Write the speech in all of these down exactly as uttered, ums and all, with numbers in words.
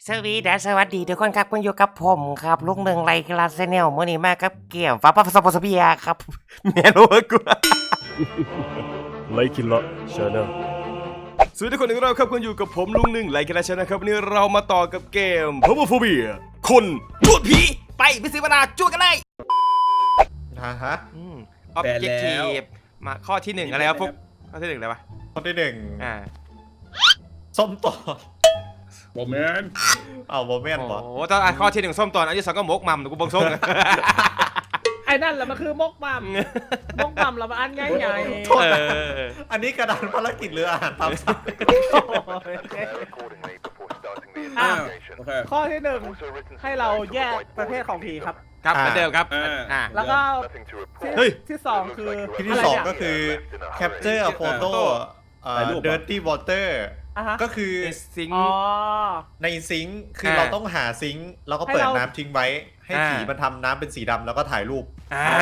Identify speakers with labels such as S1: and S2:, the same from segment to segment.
S1: สวีดัสสวัสดีทุกคนครับคุณอยู่กับผมครับลุงหนึ่งไรคลาสเนลมื่อนี้มากับเกี่ยวฟ้าพัสปอสเบียครับเมียรู้กู
S2: ไลคิละชาแนลสวัสดีทุกคนอีกรอบครับคุณอยู่กับผมลุงหนึ่งไลคิละชาแนลครับวันนี้เรามาต่อกับเกมพาวเวอร์โฟเบียคนจูดผีไปไปซื้อมาดาจูดกันเลย
S3: ฮะฮะ
S1: ออบเจกตีฟมาข้อที่หนึ่งอะไรวะพวกข้อที่หนึ่งอะไรวะ
S3: ข้อที่หนึ่ง
S1: อ่า
S3: ส้มต่อ
S4: โมเมนต์
S3: เอาโมเมนต์บอ
S1: โอ้ตอนข้อที่หนึ่งส้มตอนอันที่สองก็มกมัมกูบงส้ม
S5: ไอ้นั่นแหละมันคือมกมัมมกมัมเรามาอันง่าย
S3: ๆอันนี้กระดานภารกิจหรืออาหารตามสั่ง
S5: ข้อที่หนึ่งให้เราแยกประเภทของผีครับ
S1: ครับเหมือนเดิมครับ
S5: อ่าแล้วก็ที่สองคือ
S3: ที่สองก็คือ capture a photo dirty water ก็คือ
S1: ซิง
S3: ในซิงค์คือเราต้องหาซิงค์แล้วก็เปิดน้ำทิ้งไว้ให้ผีมันทำน้ำเป็นสีดำแล้วก็ถ่ายรูป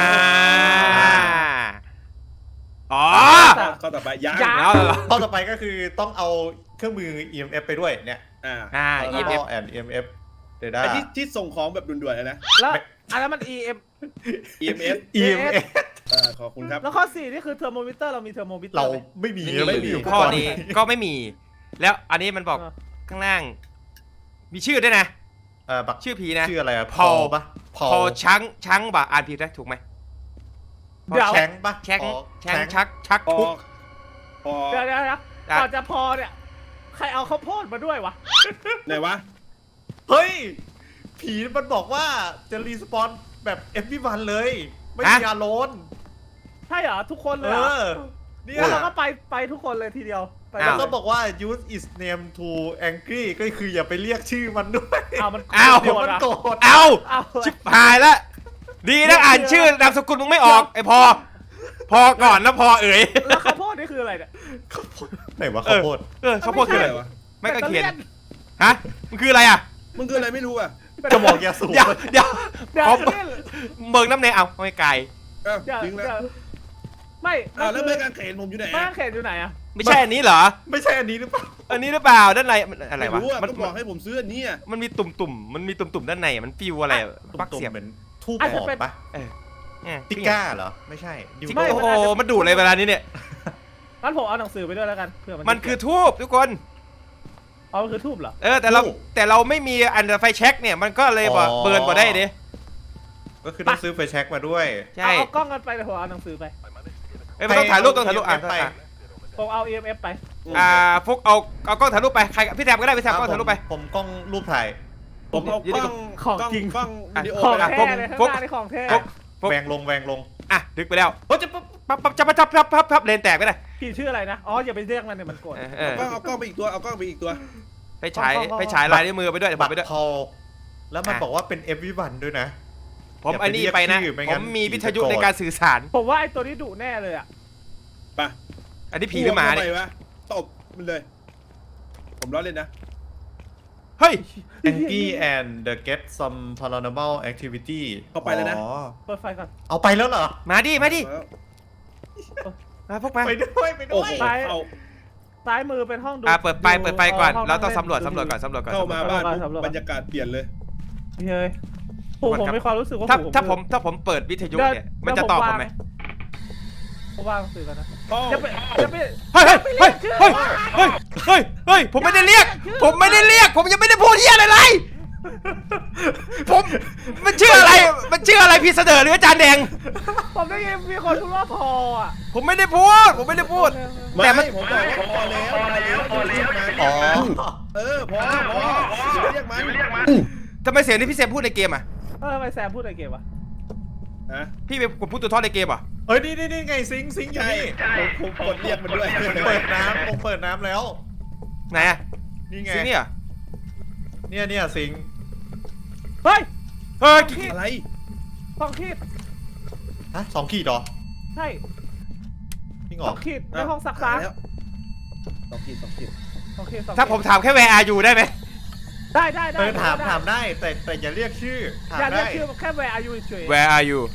S1: อ๋อ
S4: ข้อต่อไปยัง
S1: แล้ว
S3: ข้อต่อไปก็คือต้องเอาเครื่องมือ อี เอ็ม เอฟ ไปด้วยเนี่ย
S4: อ่า
S1: อ่า
S3: อี เอ็ม เอฟ and อี เอ็ม เอฟ data
S4: ที่ที่ส่งของแบบด่วนๆเลยนะ
S5: แล้วอันนั้นมัน อี เอ็ม
S4: อี เอ็ม เอฟ
S3: อี เอ็ม เอฟ
S4: อ่าขอบคุณครับ
S5: แล้วข้อสี่นี่คือเทอร์โมมิเตอร์เรามีเทอร์โมมิเตอร์
S3: เราไม่มี
S1: ไม่มีข้อนี้ก็ไม่มีแล้วอันนี้มันบอกข้างล่างมีชื่อด้วยนะ
S3: เออ
S1: ชื่อผีนะ
S3: ชื่ออะไรอะ
S1: พอลปะพอลช้างช้างบ่อ่านผิดได้ถูกไหม
S3: เดี๋ยวแช้งปะ
S1: แช้งแช้งชักชักทุก
S5: พอเดี๋ยวเดี๋ยวก่อนจะพอเนี่ยใครเอาข้าวโพดมาด้วยวะ
S4: ไหนวะ
S3: เฮ้ยผีมันบอกว่าจะรีสปอนแบบเอฟวีวันเลยไม่มีอารมณ์
S5: ใช่เหรอทุกคนเลย
S3: เออ
S5: เนี่ยเราก็ไปไปทุกคนเลยทีเดียว
S3: แล้วก็บอกว่า use its name to angry ก็คืออย่าไปเรียกชื่อมันด้วย
S5: อ้าวมัน
S1: อ้าว
S3: มันโกรธ
S1: อ้าวชิบหายแล้วดีนะอ่านชื่อนามสกุลมึงไม่ออกไอพอพอก่อนนะพอเอ๋ย
S5: แล้วข้าวโพดนี่คืออะไรเนี่ย
S3: ข้าวโพดไหนวะข้าวโพด
S1: เออข้าวโพดคืออะไรวะไม่ก็เขียนฮะมันคืออะไรอ่ะ
S4: มันคืออะไรไม่รู้อ่ะ
S3: กระบอกยาสูบ
S1: เดี๋ยวเดี๋ยวเบิกน้ำเนยเอาไม่ไกล
S4: จริงแล้ว
S5: ไม่
S4: อ้าวแล้วไม่กางเขนผมอยู่ไหน
S5: ไม่กางเขนอยู่ไหนอ่ะ
S1: ไม่ใช่อันนี้เหรอ
S3: ไม่ใช่อันนี้หรือเปล่า
S1: อันนี้หรือเปล่าด้านในอะไรวะ
S4: มันบอกให้ผมซื้ออันนี้อ่ะ
S1: มันมีตุ่มๆมันมีตุ่มๆด้านในมันฟิวอะไรปักเสียบ
S3: เหมือนทูบหอมปะติก้าเหรอไม่ใช่
S1: ไม่โอ้โหมันดูดอะไรเวลานี้เนี่ย
S5: งั้นผมเอาหนังสือไปด้วยแล้วกันเพื่อ
S1: มันมันคือทูบทุกคน
S5: เอามันคือทูบเหรอ
S1: เออแต่เราแต่เราไม่มีอันไฟแช็กเนี่ยมันก็เลยบอกเบิร์นบ่ได้ดิ
S3: ก็คือต้องซื้อไฟแช็กมาด้วย
S5: ใช่เอากล้องกันไปเดี๋ยวผมเอาหนังสือไป
S1: เอ้ยมันต้องถ่ายรูปต้องถ่ายรูปอ่ะ
S5: ผมเอา อี เอ็ม เอฟ ไป
S1: อ่าฟุกเอาเอากล้องถ่ายรูปไปใครพี่แทมก็ได้พี่แทมกล้องถ่ายรูปไป
S3: ผมกล้องรูปถ่าย
S4: ผมเอากล้อง
S5: ของจริง
S4: กล้องวิดีโอ
S5: ของแท้เลยข้างหน้านี่ของแท้
S3: แวงลงแวงลง
S1: อ่ะดึกไปแล้วโอ้จะปั๊บปั๊บจะปั๊บปั๊บปั๊บปั๊บปั๊บเลนแตกไปเลย
S5: พี่ชื่ออะไรนะอ๋ออย่าไปเรียกมันเนี่ยมันโกรธ
S4: เอากล้องเอากล้องไปอีกตัวเอากล้องไปอีกตัว
S1: ไปฉายไปฉายลายนิ้วมือไปด้วย
S3: บัต
S1: ร
S3: พอแล้วมันบอกว่าเป็น เอฟ วี วัน ด้วยนะ
S1: ผมไอ้นี่ไปนะผมมีวิทยุในการสื่อสาร
S5: ผมว่าไอ้ตัวนี้ดุแน่เลยอ่ะ
S4: ป่ะ
S1: อันนี้ผีหรือหมาเนี่
S4: ยตบมันเลยผมล้อเล่นนะ
S1: เฮ้ย
S3: Angie and the get some paranormal activity
S4: เข้าไปแล้วนะ
S5: เปิดไฟก่อน
S3: เอาไปแล้วเหรอ
S1: มาดิมาดิมาพวกมา
S3: ไปด้วยไปด้วย
S5: ซ้ายซ้ายมือเป็นห้องดู
S1: อ่ะเปิดไฟเปิดไฟก่อนเราต้องสำรวจสำรวจก่อนสำรวจก่อน
S4: เข้ามาบ้านบรรยากาศเปลี่ยนเลย
S5: เฮ้ยผมผมมีความรู้สึกว่า
S1: ถ้าถ้าผมถ้าผมเปิดวิทยุเนี่ยมันจะตอบผมไหม
S5: ผมวางสื่อกันนะ
S1: จะไปจะไปเฮ้ยเฮ้ยเฮ้ยเฮ้ยเฮ้ยเฮ้ยผมไม่ได้เรียกผมไม่ได้เรียกผมยังไม่ได้พูดเหี้ยอะไรเลยผมมันชื่ออะไรมันชื่ออะไรพี่เสนอหรืออาจารย์แดง
S5: ผมได้ยินมีคนพูดว่าพออ่ะ
S1: ผมไม่ได้พูดผมไม่ได้พูด
S4: แต่มันผมบอกพอแล้วพอแล้ว
S3: อ๋อ
S4: เออพอพอเรียกมัน
S1: ทำไมเสียงที่พี่แซมพูดในเกมอ่ะ
S5: เออทำไมแซมพูดในเกมวะ
S1: พี่เป็นคนพูดตัวทอดในเกมอ่ะ
S3: เฮ้ยนี่นี่นี่ไงซิงซิงอยู่นี่
S4: ผมกดเรียกมันด้วย
S3: เปิดน้ำผมเปิดน้ำแล้ว
S1: ไหนอ่ะ
S3: นี่ไง
S1: ซิงเนี่ย
S3: เนี่ยเนี่ยซิง
S5: เฮ้ย
S1: เฮ้ย
S4: อะไร
S5: สองขีด
S3: ฮะสองขีดหรอ
S5: ใช่
S3: จริงเหรอ
S5: สองขีดในห้องซักผ้า
S4: สองขีดสองขีด
S5: โอเค
S1: ถ้าผมถามแค่ where are you ได้ไหม
S5: ได้ได้ได้
S3: ถามถามได้แต่แต่อย่าเรียกชื่อ
S5: อย่าเรียกชื่อแค่ where are you เฉย
S1: where are you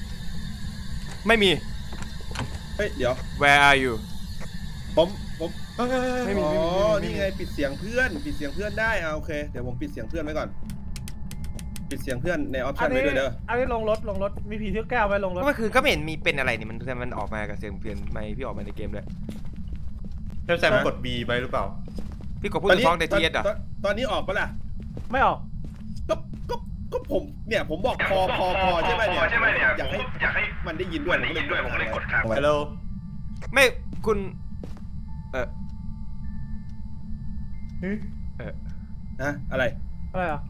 S1: ไม่มี
S4: เฮ้ยเดี๋ยว
S1: where are you
S4: ผมผม
S2: ไม่มี
S4: อ๋
S2: ไม่
S4: อ
S2: มี
S4: นี่ไงปิดเสียงเพื่อนปิดเสียงเพื่อนได้อ่าโอเคเดี๋ยวผมปิดเสียงเพื่อนไว้ก่อน ปิดเสียงเพื่อนในออป
S5: อั
S4: ชั่
S5: น
S4: นไว้
S5: นี้
S4: ด้วยเด้อ
S5: อันนี้ลงรถลงรถมีผีเที่ยวแก้วไว้ลงรถ
S1: เมื่อคืนก็ไม่เห็นมีเป็นอะไรนี่มันมันออกมากับเสียงเปลี่ยนไม่พี่ออกมาในเกมเลย
S3: เจ้าแซมกด B ไปหรือเปล่า
S1: พี่กดพูดถึงท้องในทีเอสเหรอ
S4: ตอนตอนนี้ออกปะล่ะ
S5: ไม่ออก
S4: ก็ก็ก็ผมเนี่ยผมบอกพอพอพอใช่ไหมเนี่ยอยากให้อยากให้มันได้ยินด้วยผมก็เลยกดค้างไว้
S3: ฮัลโหล
S1: ไม่คุณเออเออ
S4: ฮะอะไร
S5: อะไรอ่ะ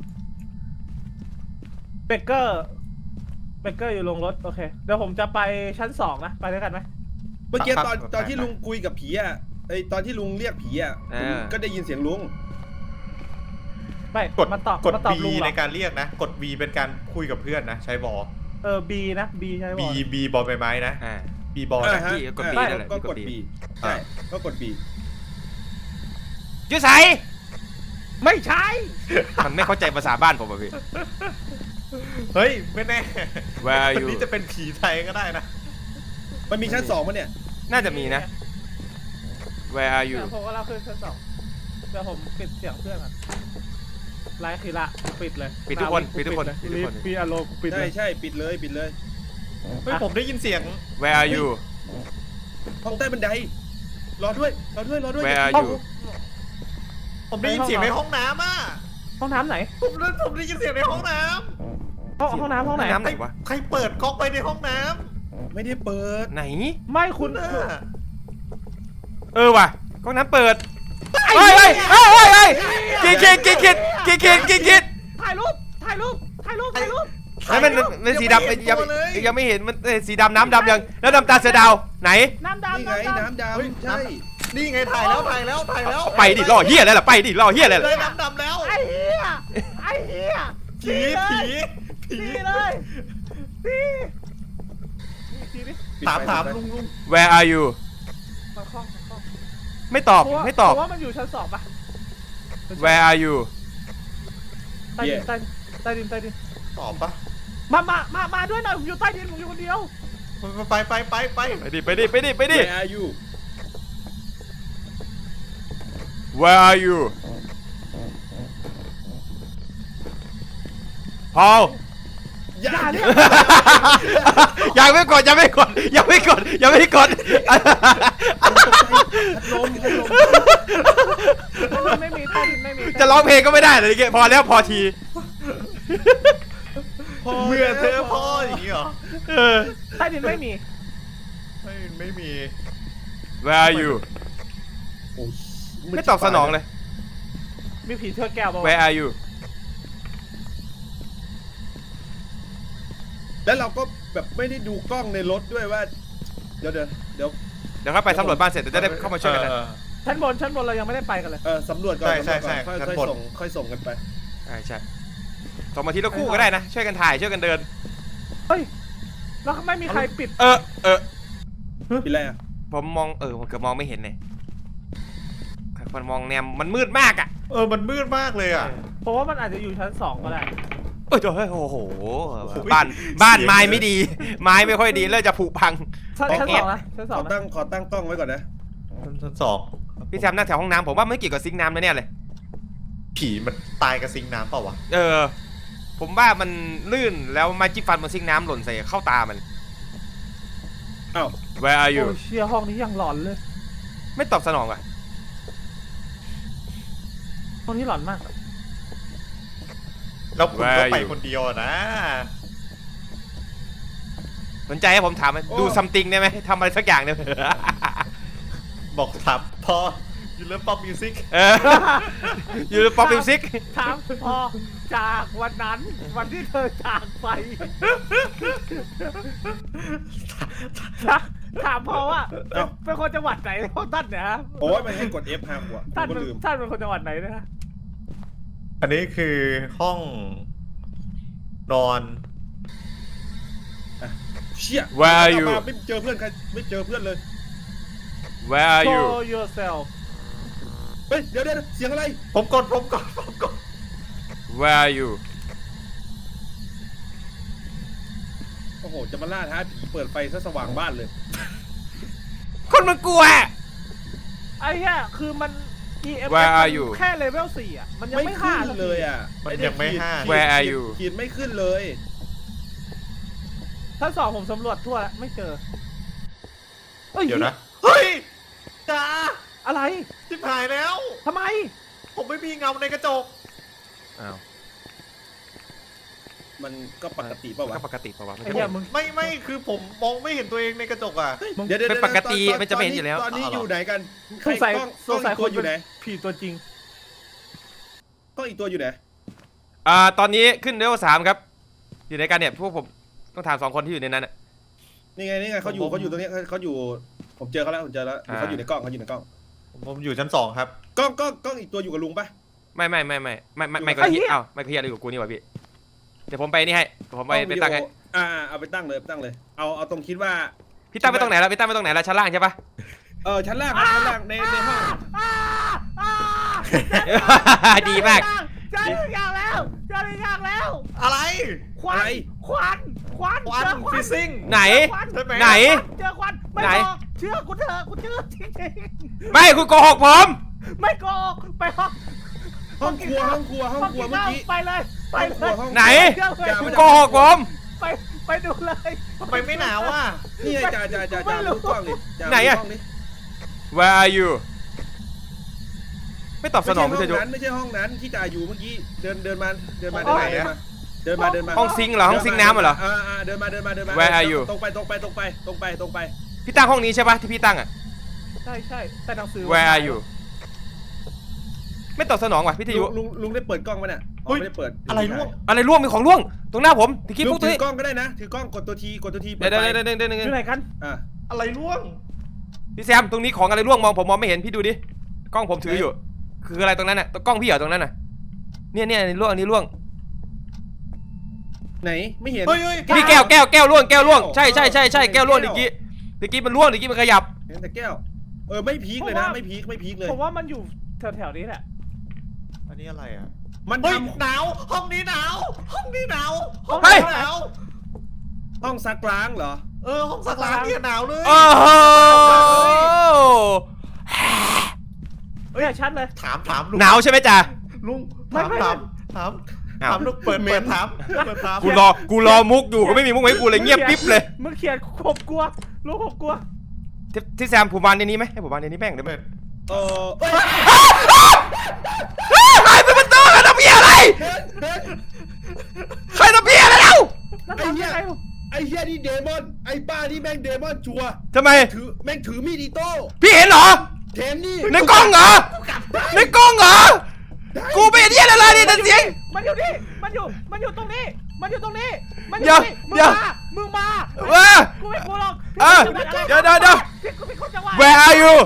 S5: เบเกอร์เบเกอร์อยู่ลงรถโอเคเดี๋ยวผมจะไปชั้นสองนะไปด้วยกันไหม
S4: เมื่อกี้ตอนตอนที่ลุงคุยกับผีอ่ะไอตอนที่ลุงเรียกผีอ่ะผมก็ได้ยินเสียงลุง
S5: ไม่
S3: กด
S5: มันตอบ
S3: กด
S5: มันตอบ
S3: B
S5: ลุงเหร
S3: ใน
S5: อ
S3: การเรียกนะ กด B เป็นการคุยกับเพื่อนนะ ใช้บอ
S5: เออ B นะ B ใช่
S3: B
S5: ป่ะ
S3: B บอลใบไม้นะ
S1: อ่า
S3: B บอล
S4: อ่า
S3: นะ
S4: ฮะ
S1: พี่กด B
S4: อ่า
S1: นั่นแหละ
S4: ก็
S1: พี่
S4: ก
S1: ก
S4: ด
S1: ด
S4: B
S1: B
S4: ใช่ก็กด B
S1: ยูไซ
S5: ไม่ใช่
S1: มันไม่เข้าใจภาษาบ้านผมอ่ะพี่
S3: เฮ้ย ไม่แน่
S1: Where are
S3: วัน
S1: you
S3: นี้จะเป็นผีไทยก็ได้นะ
S4: มันมีชั้นสองมั้ยเนี่ย
S1: น่าจะมีนะ Where are you
S5: เดี๋ยวผมก็เล่าขึ้นชั้นสองเดี๋ยวผมปิดเสียงเพื่อนก่อนไลฟ์ทีละปิดเลย
S1: ปิดทุกคนปิดทุกคน
S5: เลย
S1: ปิดทุกคน
S5: ปิดอารมณ์ปิด
S4: ใช่
S5: เลย
S4: ใช่ปิดเลยปิดเลย
S3: เฮ้ย ผมได้ยินเสียง
S1: Where are you
S4: ห้องใต้บันไดรอด้วยรอด้วยรอด้วย
S1: Where are you
S3: ผมได้ยินเสียงในห้องน้ำอ่ะ
S5: ห้องน้ำไหน
S3: ผมได้ผมได้ยินเสียงในห้องน้
S5: ห้องห้องน้ำห้องไหน
S1: น้ำไหนวะ
S3: ำใครเปิดก๊อกไปในห้องน้
S4: ไม่ได้เปิด
S1: ไหน
S5: ไม่คุณ
S3: ำน่ะ
S1: เออว่ะกล้องน้ำเปิดเฮ้ยเฮ้ยเฮ้ยเฮ้ยเฮ้ยกี่คิดกี่คิดกี่คิดกี่คิด
S5: ถ่ายรูปถ่ายรูปถ่ายรูปถ่ายรูป
S1: แล้วมันมันสีดำยังยังไม่เห็นมันสีดำน้ำดำยังแล้วดำตาเสือดาวไหน
S5: น้ำ
S4: นี่
S5: ดำ
S4: ไง
S5: น้ำดำ
S4: น้ำ
S3: เฮ้ย
S4: ดำใช่
S3: นี่ไงถ่ายแล้วถ่ายแล้วถ่ายแล้ว
S1: ไปดิล่อเฮียอะไรล่ะไปดิล่อเฮียอะไร
S3: เล
S1: ล่ะ
S3: ยน้ำดำแล้ว
S5: ไอ้เหี้ยไอ้เหี้ย
S3: ผีผีผี
S5: ตีเลยตีตีดิ
S3: ถามถามลุงลุง
S1: Where are you
S5: มาคล้องมาคล้อง
S1: ไม่ตอบไม่ตอบ
S5: เพราะว่ามันอยู่ชั้นสองปะ
S1: Where are you
S5: ใต้ดินใต้ใต้ดินใต้ดิน
S3: ตอบปะ
S5: มามามามาด้วยหน่อยผมอยู่ใต้ดินผมอยู่คนเดียว
S3: ไปไปไปไป
S1: ไปดิไปดิไปดิไปดิ
S4: Where are you
S1: Where are you พอล
S4: อย่าอย่า
S1: ยังไม่กดยังไม่กดยังไม่กดยังไม่กด
S4: พัดลมพัดลม
S5: ไม่มีใต้ดินไม่มี
S1: จะร้องเพลงก็ไม่ได้เลยพอแล้วพอที
S3: เมื่อเธอพ่ออย่างนี้เหรอ
S1: เออ
S5: ใต้ดินไม่มี
S3: ไม่ไม่มี
S1: Where are you
S4: โอ้ย
S1: ไม่ตอบสนองเลย
S5: มีผีเชือกแก้วป่าว
S1: Where are you
S4: แล้วเราก็แบบไม่ได้ดูกล้องในรถด้วยว่า เดี๋ยวเดี๋ยวเดี๋ยว
S1: เดี๋ยวค่อยไปสำรวจบ้านเสร็จเดี๋ยวจะได้เข้ามาช่วยกันนะ
S3: เออ
S5: ชั้นบนชั้นบนเรายังไม่ได้ไปกันเลย
S4: เออสำรวจก่อน
S3: ใช่ใช่
S4: สำรวจก่อน
S3: ใช่
S4: ค่อย
S3: ชั้น
S4: ค่อย
S3: บน
S4: ส่งค่อยส่งกันไป
S1: ใช่ใช่สองมาทีละคู่ก็ได้นะช่วยกันถ่ายช่วยกันเดิน
S5: เฮ้ยแล้วไม่มีใครปิด
S1: เออเออ
S4: เป็นไรอ่ะ
S1: ผมมองเออผมเกือบมองไม่เห็นเลยมันมองแนมมันมืดมากอ่ะ
S3: เออมันมืดมากเลยอ่ะ
S5: เพราะว่ามันอาจจะอยู่ชั้นสองก็ได้
S1: เออเฮ้ยโอ้โหบ้านบ้านไม้ไม่ดี ไม้ไม่ค่อยดีแล้วจะผุพัง
S5: ชั้นชั้นสองนะชั้นส
S4: ข
S5: อง
S4: อ
S5: นะ
S4: ตั้งขอตั้งกล้องไว้ก่อนนะ
S3: ชั้นสอง
S1: พี่แซมนั่งแถวห้องน้ำผมว่าไม่เกี่ยวกับซิงค์น้ำแน่ๆเลย
S3: ผีมันตายกับซิงค์น้ำเปล่าวะ
S1: เออ ผมว่ามันลื่นแล้วไม้จิ้มฟันบนซิงค์น้ำหล่นใส่เข้าตามัน
S4: อ้าว
S1: Where are you
S5: โอ้เชียห้องนี้ยังหลอนเลย
S1: ไม่ตอบสนองอ่ะ
S5: ห้องนี้หลอนมาก
S3: แล้วคุณก็
S1: Where
S3: ไป
S1: you?
S3: คนเดียวอะนะ
S1: สนใจให้ผมถามไหมดูซัมติงได้ไหมทำอะไรสักอย่างเนี่ย
S3: บอกถามพอยูเลิฟป๊อปมิวสิก
S1: เอออยู่ป๊อปมิวสิก
S5: ถามพอจากวันนั้นวันที่เธอจากไปถามพอว่าเป็นคนจังหวัดไหนพวกท่านเนี่ยฮะ
S4: โอ้ยมันให้กด F ห้าหัว
S5: ท่าน
S4: ผมก็ลืม
S5: ท่านเป็นคนจังหวัดไหนนะ
S3: อันนี้คือห้องนอน
S4: เชี่ย
S1: Where are you
S4: มาไม่เจอเพื่อนใครไม่เจอเพื่อนเลย
S1: Where are you
S5: Show yourself
S4: เฮ้ยเดี๋ยวเดี๋ยวเสียงอะไร
S3: ผมกดผมกดผมกด
S1: Where are you
S4: โอ้โหจะมาล่าท้าผีเปิดไฟซะสว่างบ้านเลย
S1: คนมันกลัว
S5: ไอ้เหี้ยคือมัน อี เอ็ม
S1: Where are you
S5: แค่เลเวลสี่อ่ะมันยัง
S4: ไม่
S5: ไม่
S4: ขึ้
S5: ห้าน สักที
S4: เลยอ่ะ
S3: มันยังไม่ห้า
S4: ขีด
S1: Where are you
S4: ขีดไม่ขึ้นเลย
S5: ชั้นสองผมสำรวจทั่วแล้วไม่เจออ้
S3: เดี๋ยวนะ เฮ้ยจ้า
S5: อะไร
S3: ชิบหายแล้ว
S5: ทำไม
S3: ผมไม่มีเงาในกระจก
S1: อ้าว
S4: มันก็ปกติเปล่าวะ
S1: ก็ปกติปะวะ
S5: ไอ้เหี้ยมึง
S3: ไม่ไม่คือผมมองไม่เห็นตัวเองในกระจกอ่ะ
S4: เดี๋ยวเดี๋ยว
S1: เป็นปกติ
S4: ตอ
S1: มันจะไม่เห็นอยู่แล้ว
S4: ตอนนี้
S3: อ๋อเหรอ
S4: อยู่ไหนกัน
S5: สงสัย
S4: กล้อง
S5: สงสัย
S4: กล้องอีกตัวอยู่ไหน
S5: ผีตัวจริง
S4: กล้องอีกตัวอยู่ไหน
S1: อ่าตอนนี้ขึ้นเลเวลสามครับอยู่ในการเนี่ยพวกผมต้องถามสองคนที่อยู่ในนั้นอ่ะ
S4: นี่ไงนี่ไงเขาอยู่เขาอยู่ตรงนี้เขาเขาอยู่ผมเจอเขาแล้วผมเจอแล้ว
S1: อ่า
S4: เขาอยู่ในกล้องเขาอยู่ในกล้อง
S3: ผมอยู่ชั้นสองครับ
S4: กล้องกล้องกล้องอีกตัวอยู่กับลุงปะ
S1: ไม่ไม่ไม่ไม่ไม่ไม่ไม่ก็
S5: ไอ้เหี้
S1: เฮีย
S5: ย
S1: อ้าวไม่ก็เฮียอะไรกับกูนี่วะพี่เดี๋ยวผมไปนี่ให้เดี๋ยวผมไป
S4: กล้อ
S1: ไป
S4: วิดี
S1: ตั้งให้
S4: โออ่าเอาไปตั้งเลยไปตั้งเลย เอาเอาตรงคิดว่า
S1: พี่ตั้งไปตรงไหนแล้วพี่ตั้งไปตรงไหนแล้วชั้นล่างใช่ปะ
S4: เออชั้นล่างครับชั้นล่างในในห้อง
S5: อ้าอ้า
S1: ดีมาก
S5: เจอหนึ่งอย่างแล้วเจอหนึ่งอย่างแล้ว
S3: อะไร
S5: ควันควันควัน
S3: ควัน
S5: เจอควัน
S3: ฟิซซิ่ง
S1: ไหน
S5: เจอควัน
S3: ใช่ไหม
S1: ไหน
S5: เจอควันไม่
S1: ไหน
S5: บอกเชื่อกูเถอะกูเชื่อจริง
S1: ไม่คุณโกหกผม
S5: ๆไม่โกหกไปห้อง
S4: ห้องครัวห้องครัวห้องครัว
S5: กิน
S4: เมื่อ
S5: ข้าว
S4: กี้
S5: ไปเลยไป
S4: ห้อง
S5: เล
S4: ครัวย ห้อง
S1: ไหน
S5: เชื่อเลย
S1: คุณโกหกผม
S5: ไปไปดูเลย
S3: ทำไมไม่หนาวอ่ะ
S4: นี่ไงจ่าจ่าจ่าจ่า
S5: ไม่รู้
S4: ดูกล้องดิจ่า
S1: ไหนอะ
S4: ดูกล้งดิ
S1: Where are you ไม่ตอบส
S4: ไม่
S1: น
S4: ใช่
S1: อง
S4: ห้
S1: พี่
S4: อง
S1: เจะยุ
S4: นั้นไม่ใช่ห้องนั้นที่จ่าอยู่เมื่อกี้เดินเดินมาเดินมาเดินมาเดินมาเดินมาเดินมา
S1: ห้องซิงค์เหรอห้องซิงค์น้ำเหรอ
S4: อ่าอ่าเดินมาเดินมาเดินมา
S1: Where are you
S4: ตรงไปตรงไปตรงไปตรงไปตรงไป
S1: พี่ตั้งห้องนี้ใช่ปะที่พี่ตั้งอ่ะ
S5: ใช่ใช่แต่หนังสือ
S1: Where are you ไม่ตอบสนองว่ะพี่เจะยุ
S4: ลุงลุงได้เปิดกล้องไหมเนี่ยอ๋อไม่ได้เปิด
S3: อะไรร่วง
S1: อะไรร่วงมีของร่วงตรงหน้าผมตะกี้
S4: ลุ
S1: พว
S4: ง
S1: กตัว
S4: ถื
S1: นี้
S4: อกล้องก็ได้นะถือกล้องกดตัวทีกดตัวที
S1: เดี๋ยวเดี๋ยวเดี๋ยวเดี๋ยวเดี๋ยว
S5: อ
S1: เดี๋ยว
S5: ยู่ไหนกัน
S4: อ่า
S3: อะไรร่วง
S1: พี่แซมตรงนี้ของอะไรร่วงมองผมมองไม่เห็นพี่ดูดิกล้องผมถืออยู่ คืออะไรตรงนั้นน่ะกล้องพี่เหรอตรงนั้นน่ะเนี่ยเนี่ยอันนี้ร่วงอันนี้ร่วง
S4: ไหนไม่เห็น
S3: เฮ้ยเฮ้ย
S1: พี่แก้วแก้วแก้วร่วงแก้วร่วงใช่ใช่ใช่ใช่แก้วร่วงตะกี้ตะกี้มันร่วงตะกี้มันขยับ
S4: เห็นแต่แก้วเออไม่พีคเลยนะไม่พีคไม่พีคเลย
S5: ผมว่ามันอยู่แถวๆนี้แหละ
S3: อันนี้อะไรอ่ะ
S4: มัน
S3: เฮ้ย
S4: ทำ
S3: หนาวห้องนี้หนาวห้องนี้หนาวห้อง
S1: เฮ้ย
S3: นี้หนาว
S4: ห้องซักล้างเหรอ
S3: เออห้องสักล้างเนี่ยหนาวเลย
S1: โอ้โห
S5: เฮ้ยชัดเลย
S3: ถามถามลุง
S1: หนาวใช่ไหมจ๊ะ
S3: ลุง
S5: ไม่
S3: ถาม
S5: ไม่
S3: ถามถาม
S1: อ้าว
S3: ถามลุงเปิดเปิดถามเปิดถาม
S1: กูรอกูรอมุกอยู่ก็ไม่มีมุกให้กูเลยเงียบปิ๊บเลย
S5: มึงเขียนผมกลัวลูกผมกลัว
S1: ที่ที่แซมผมวางในนี้ไหมให้ผมวางในนี้แม่งเดี๋ยว
S3: เปิ
S1: มัน
S3: ด
S4: เออเอ้ย
S1: ใครเป็นประตูใครทำเพี้ยอะไร
S4: เฮ้ยเฮ้ย
S1: ใครทำเพี้ยอะไรแล้ว
S5: แล้ว
S4: ไอ้
S5: ทำ
S4: เหี้
S5: ยั
S4: ย
S5: งไงวะ
S4: ไอ้เหี้ยนี่เดมอน ไอ้ป้านี่แม่งเดมอนชัวร์
S1: ทำไม
S4: ถือแม่งถือมีดอิโต้
S1: พี่เห็นเหรอ
S4: แถมนี่
S1: ในกล้องเหรอในกล้องเหรอกูไม่เห็นเหี้ยอะไรเลยแต่เสียง
S5: มันอยู่นี่มันอยู่มันอยู่ตรงนี้มันอยู่ตรงนี้มันอ
S1: เดี๋
S5: ยู่
S1: ยว
S5: นี่มึง
S1: เดี๋ยว
S5: มามึงมา
S1: เว้ย
S5: กูไม่กลัวหรอก
S1: เออเดี๋ยวเดี๋ยวเดี๋ยว
S5: พี่กูเป็นคนจังหวะ
S1: Where are you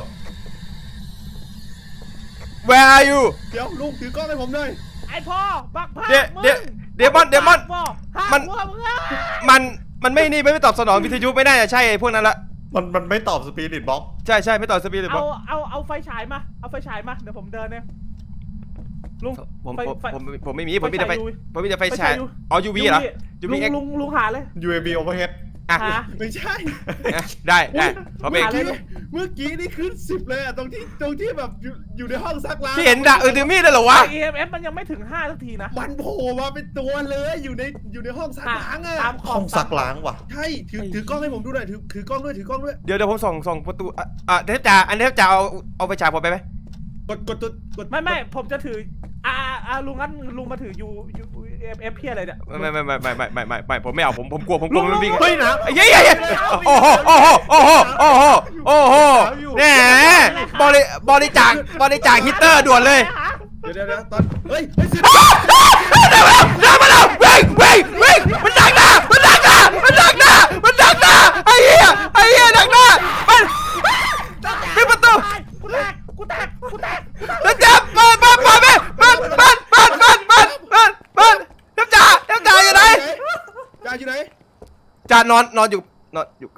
S1: Where are you
S4: เดี๋ยวลุงถือกล้องให้ผมหน่อย
S5: ไอ้พ่อบักพา
S1: เดี๋ยว
S5: มึง
S1: เดี๋ยวเดมอนเดมอน
S5: พ่ห้า
S1: มัน
S5: หัวมึงอะ
S1: มันมันไม่นี่ไม่ตอบสนองวิทยุไม่น่าจะใช่ไอ้พวกนั้นละ
S3: มันมันไม่ตอบสปีริตบ็อก
S1: ใช่ใช่ไม่ตอบสปีดเลยบ
S5: เอา
S1: อก
S5: เอาเอาไฟฉายมาเอาไฟฉายมาเดี๋ยวผมเดินเนี่ยลุง
S1: ผม
S5: ไฟ
S1: ผม
S5: ไฟ
S1: ผมผมไม่มีผมมีแต่ไฟ
S5: ไฟฉาย U
S1: ผมมีแต่ไฟ
S5: ไฟ
S1: ฉา
S5: ฉาย ย U
S1: อ๋อ ยู วี เหรอ ยู
S5: ลุ
S1: วี
S5: ง
S1: เอ็ก
S5: ลุงลุงหาเลย
S3: ยู เอ บี overhead
S1: อ่ะ
S5: หา
S4: ไม่ใช่
S1: อ่ะได้ได้ผมเอง
S5: หาเลย
S4: เมื่อกี้นี่ขึ้นสิบเลยอะตรงที่ตรงที่แบบอยู่อยู่ในห้องซักล้าง
S1: พี่เห็นดะเออถือมีดเลยเหรอวะ
S5: ไอ อี เอ็ม เอฟ มันยังไม่ถึงห้าสักทีนะ
S4: มันโผล่มาเป็นตัวเลยอยู่ในอยู่ในห้องซักล้างอะ
S5: ตามข
S3: ห้
S5: อ
S3: อง งซักล้างว่ะ
S4: ใช่ถือถือกล้องให้ผมดูหน่อยถือถือกล้องด้วยถือกล้องด้วย
S1: เดี๋ยวเดี๋ยวผมส่องส่องประตูอ่ะอ่ะเทปจ่าอันเทปจ่าเอาเอาไฟฉายผมไปไหม
S4: กดกดตัวกด
S5: ไม่ไม่ผมจะถืออ่าอ่าลุงงั้นลุงมาถือยูยูเอฟเอฟเพี้ยอะไรเนี่ย
S1: ไม่ไม่ไม่ไม่ไม่ไม่ไม่ไม่ผมไม่เอาผมผมกลัวผมกลัวมันวิ่ง
S3: เฮ้ยนะ
S1: ไอ้เหี้ยเหี้ยเหี้ยโอ้โหโอ้โหโอ้โหโอ้โหโอ้โหแหมบริบริจาคบริจาคฮิตเตอร์ด่วนเลย
S4: เดี๋ยวเดี๋ยวเดี๋ยวตอนเฮ้ยเฮ้ยสิ
S1: เดินมาแล้วเดินมาแล้ววิ่งวิ่งวิ่งมันดักหน้ามันดักหน้ามันดักหน้ามันดักหน้าไอ้เหี้ยไอ้เหี้ยดักหน้ามันปิดประตู
S5: กูแตกกูแตกกูแตก
S1: แล้วจับเปิดเปิดเปิดเปิดเปิดเปิดเปิดเปิดเปิดเปิดเปิดน้ำจ่าน้ำจ่าอยู่ไหน
S4: จ่าอยู่ไหน
S1: จ่านอนนอนอยู่นอนอยู่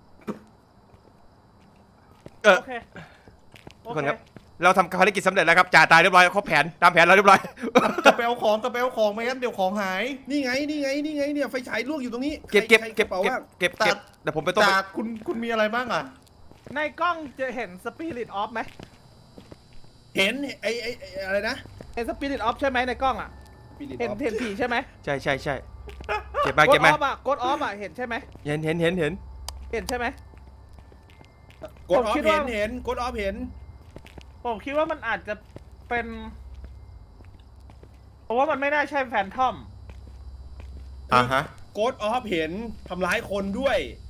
S1: เออ
S5: โอเคโอ
S1: ทุก
S5: เค
S1: คนครับเราทำภารกิจสำเร็จแล้วครับจ่าตายเรียบร้อยครบแผนตามแผนเราเรียบร้อย
S3: จะไปเอาของจะไปเอาของไม่งั้นเดี๋ยวของหาย
S4: นี่ไงนี่ไงนี่ไงเนี่ยไฟฉายลวกอยู่ตรงนี้
S1: เก็บเก็บ
S4: ใคร
S1: เก็บ
S4: ใครระป๋า
S1: เก็บ
S4: ว่าง
S1: เก็บเก็บเดี๋ยวผมไปต้ม
S3: จากคุณคุณมีอะไรบ้างอ่ะ
S5: ในกล้องจะเห็นสปิริตออฟไหม
S4: เห็นไอ้ไอ้ไอ้อะไรนะ
S5: เห็นสปิริตออฟใช่ไหมในกล้องอ่ะ
S4: Spirit
S5: เห็น
S4: of
S5: เห็นผีใช่ไหม
S1: ใช่ใช่ใช่เก็บมา
S5: โก
S1: เก็
S5: ด
S1: บ
S5: อ
S1: มา
S5: อฟอ่ะโกดออฟอ่ะเห็นใช่ไหม
S1: เห็นเห็นเห็นเห็น
S5: เห็นใช่ไหม
S4: กดออ
S5: ผมคิ
S4: ฟ
S5: ดว่า
S4: เห็นเห็นกดออฟเห็น
S5: ผมคิดว่ามันอาจจะเป็นเพราะว่ามันไม่น่าใช่แฟนทอม
S3: อ่าฮะ
S4: กดออฟเห็นทำร้ายคนด้วย